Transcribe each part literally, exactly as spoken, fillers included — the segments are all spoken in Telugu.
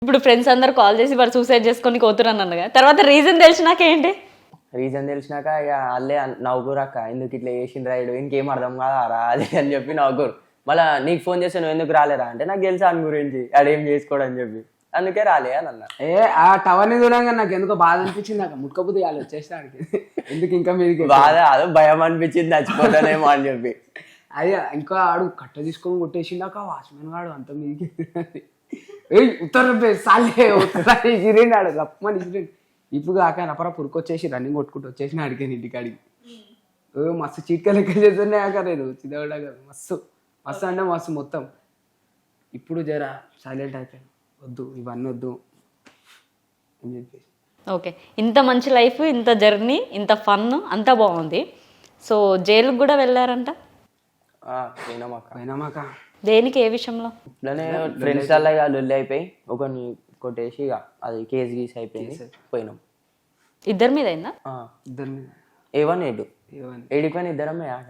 ఇప్పుడు ఫ్రెండ్స్ అందరు కాల్ చేసి వాడు సూసైడ్ చేసుకొని కోతురని అన్నగా తర్వాత రీజన్ తెలిసినాక ఏంటి? రీజన్ తెలిసినాక ఇక వాళ్ళే నవ్వుకురు అక్క ఎందుకు ఇట్లా చేసిండు రాయుడు ఇంకేం అర్థం కాదా రా అది అని చెప్పి నవ్వుకోరు. మళ్ళీ నీకు ఫోన్ చేస్తే నువ్వు ఎందుకు రాలేరా అంటే నాకు తెలుసా అని గురించి ఆడేం చేసుకోడు అని చెప్పి అందుకే రాలే అని అన్న. ఏ ఆ టవర్ని దూరంగా నాకు ఎందుకో బాధ అనిపించింది. నాకు ముట్టుకపోతే వాళ్ళు వచ్చేసానికి ఎందుకు ఇంకా మీదకి బాధ అదో భయం అనిపించింది చచ్చిపోతానేమో అని చెప్పి. అదే ఇంకా ఆడు కట్ట తీసుకొని కొట్టేసిందాక వాచ్మెన్ గాడు అంత మీదకి ఉత్తర సాలే ఇసిరిండాడు రప్పమని ఇసిరిండు. ఇప్పుడు కాక నపర పురుకొచ్చేసి రన్నింగ్ కొట్టుకుంటూ వచ్చేసి అడిగాను ఇంటికాడికి. ఓ మస్తు చీట్కా లెక్క చేస్తున్నాయి అక్క నేను చిదవడా కదా మస్తు మస్తు అంటే మస్తు మొత్తం. ఇప్పుడు జరా సైలెంట్ అయిపోయాను వద్దు ఇవన్నీ వద్దు అని చెప్పేసి. ఓకే, ఇంత మంచి లైఫ్, ఇంత జర్నీ, ఇంత ఫన్ అంతా బాగుంది. సో జైలుకి కూడా వెళ్ళారంట? పోయినామాక పోయినామాక దేనికి, ఏ విషయంలో? ఇట్లానే ఫ్రెండ్స్ అలా ఇక లొల్లి అయిపోయి ఒకరిని కొట్టేసి ఇక అది కేసు గీసి అయిపోయింది పోయినాం. ఇద్దరి మీద అయిందా? ఇద్దరు మీద ఏవన్ ఏడు ఏడిపోయిన ఇద్దరమే ఆక.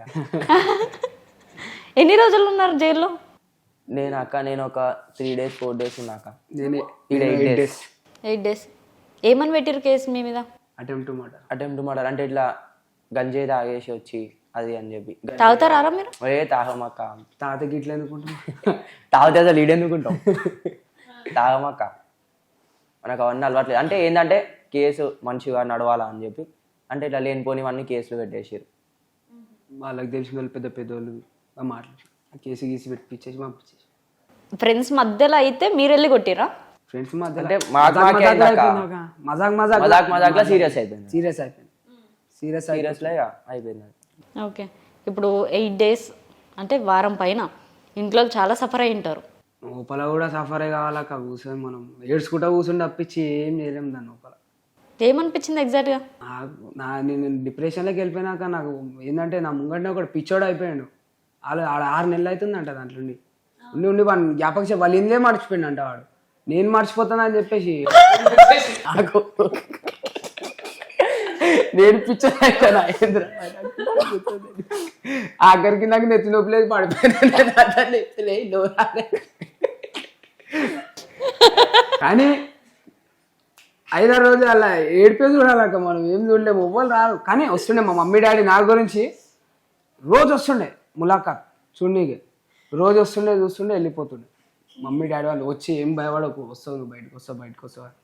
ఎన్ని రోజులు ఉన్నారు జైల్లో? నేను అక్క నేను ఒక త్రీ డేస్ ఫోర్ డేస్ ఉన్నాక. నేనే ఎయిట్ డేస్ ఎయిట్ డేస్ ఏమని పెట్టారు కేసు మీ మీద? Attempt murder. అటెంప్ట్ మర్డర్ అంటే ఇట్లా గంజాయి తాగేసి వచ్చి అది అని చెప్పి. తాగుతారా మీరు? ఏ తాగమక్క. తాతకి ఇట్లా ఎందుకుంటాం తాగితే అసలు ఈడు ఎందుకుంటాం తాగమక్క మనకు అవన్నీ అలవాట్లేదు. అంటే ఏంటంటే కేసు మంచిగా నడవాలా అని చెప్పి అంటే ఇట్లా లేనిపోనివన్నీ కేసులు పెట్టేసారు. వాళ్ళకి తెలిసిన వాళ్ళు పెద్ద పెద్దోళ్ళు మాట్లాడి కేసు గీసి పెట్టించేసి పంపించేసి. ఫ్రెండ్స్ మధ్యలో అయితే మీరు వెళ్ళి కొట్టిరా? ఫ్రెండ్స్ మధ్య అంటే మజాక్ మజాక్ మజాక్ మజాక్లో సీరియస్ అయిపోయింది. సీరియస్ అయిపోయింది సీరియస్ సీరియస్లో అయిపోయింది. ఓకే, ఇప్పుడు ఎయిట్ డేస్ అంటే వారం పైన ఇంట్లో చాలా సఫర్ అయి ఉంటారు. లోపల కూడా సఫరే కావాలక్క కూర్చొని మనం ఏడ్చుకుంటా కూర్చొని తప్పించి ఏం చేయలేము దాని లోపల. ఏమనిపించింది ఎగ్జాక్ట్గా? నాకు నా నేను డిప్రెషన్లోకి వెళ్ళిపోయినాక నాకు ఏంటంటే నా ముంగంటే ఒకటి పిచ్చోడు అయిపోయాడు. వాళ్ళు ఆడ ఆరు నెలలు అవుతుందంట దాంట్లో ఉండి ఉండి ఉండి వాడు జ్ఞాపక వాళ్ళు ఇందే మర్చిపోయిండు అంట. వాడు నేను మర్చిపోతానని చెప్పేసి నాకు నేను పిచ్చోడు అయిపోయాను. ఆఖరికి నాకు నెత్తి నొప్పి లేదు పడిపోయాను. కానీ ఐదారు రోజులు అలా ఏడిపే చూడాలక్క మనం ఏం చూడలేము ఎవ్వరు రారు. కానీ వస్తుండే మా మమ్మీ డాడీ నా గురించి రోజు వస్తుండే ములాఖాత్ చూడనీకి రోజు వస్తుండే చూస్తుండే వెళ్ళిపోతుండే. మమ్మీ డాడీ వాళ్ళు వచ్చి ఏం భయపడకు వస్తావు నువ్వు బయటకు వస్తావు బయటకు వస్తావు